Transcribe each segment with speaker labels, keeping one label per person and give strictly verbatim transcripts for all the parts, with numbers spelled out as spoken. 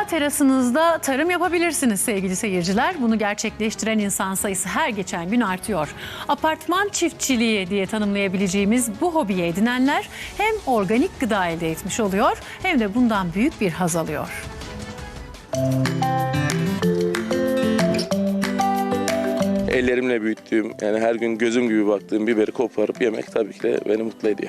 Speaker 1: Veya terasınızda tarım yapabilirsiniz sevgili seyirciler. Bunu gerçekleştiren insan sayısı her geçen gün artıyor. Apartman çiftçiliği diye tanımlayabileceğimiz bu hobiyi edinenler hem organik gıda elde etmiş oluyor hem de bundan büyük bir haz alıyor.
Speaker 2: Ellerimle büyüttüğüm, yani her gün gözüm gibi baktığım biberi koparıp yemek tabii ki de beni mutlu ediyor.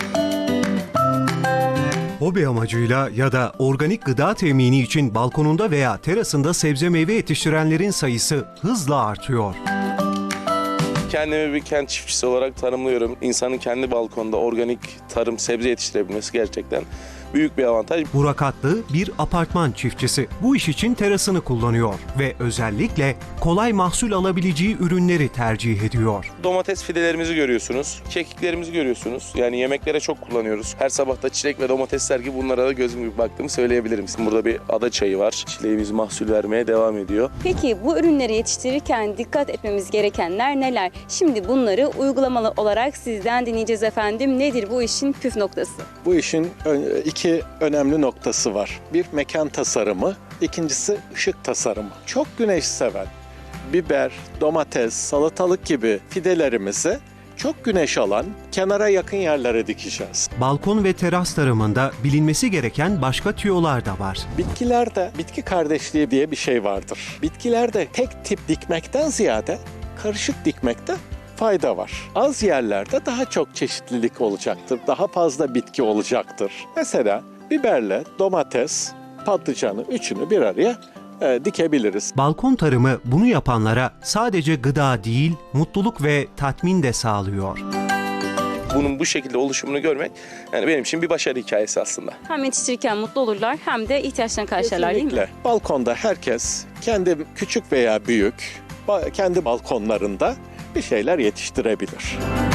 Speaker 3: Hobi amacıyla ya da organik gıda temini için balkonunda veya terasında sebze meyve yetiştirenlerin sayısı hızla artıyor.
Speaker 2: Kendimi bir kent çiftçisi olarak tanımlıyorum. İnsanın kendi balkonda organik tarım, sebze yetiştirebilmesi gerçekten büyük bir avantaj.
Speaker 3: Burak Atlı bir apartman çiftçisi. Bu iş için terasını kullanıyor ve özellikle kolay mahsul alabileceği ürünleri tercih ediyor.
Speaker 2: Domates fidelerimizi görüyorsunuz, kekiklerimizi görüyorsunuz. Yani yemeklere çok kullanıyoruz. Her sabah da çilek ve domatesler gibi bunlara da gözüm gibi baktığımı söyleyebilirim. Burada bir ada çayı var. Çileğimiz mahsul vermeye devam ediyor.
Speaker 4: Peki bu ürünleri yetiştirirken dikkat etmemiz gerekenler neler? Şimdi bunları uygulamalı olarak sizden dinleyeceğiz efendim. Nedir bu işin püf noktası?
Speaker 5: Bu işin iki önemli noktası var. Bir mekan tasarımı, ikincisi ışık tasarımı. Çok güneş seven biber, domates, salatalık gibi fidelerimizi çok güneş alan, kenara yakın yerlere dikeceğiz.
Speaker 3: Balkon ve teras tarımında bilinmesi gereken başka tüyolar da var.
Speaker 5: Bitkilerde bitki kardeşliği diye bir şey vardır. Bitkilerde tek tip dikmekten ziyade karışık dikmekte fayda var. Az yerlerde daha çok çeşitlilik olacaktır. Daha fazla bitki olacaktır. Mesela biberle domates, patlıcanı üçünü bir araya e, dikebiliriz.
Speaker 3: Balkon tarımı bunu yapanlara sadece gıda değil, mutluluk ve tatmin de sağlıyor.
Speaker 2: Bunun bu şekilde oluşumunu görmek yani benim için bir başarı hikayesi aslında.
Speaker 4: Hem yetiştirirken mutlu olurlar hem de ihtiyaçlarını karşılarlar değil mi?
Speaker 5: Kesinlikle. Balkonda herkes kendi küçük veya büyük kendi balkonlarında bir şeyler yetiştirebilir.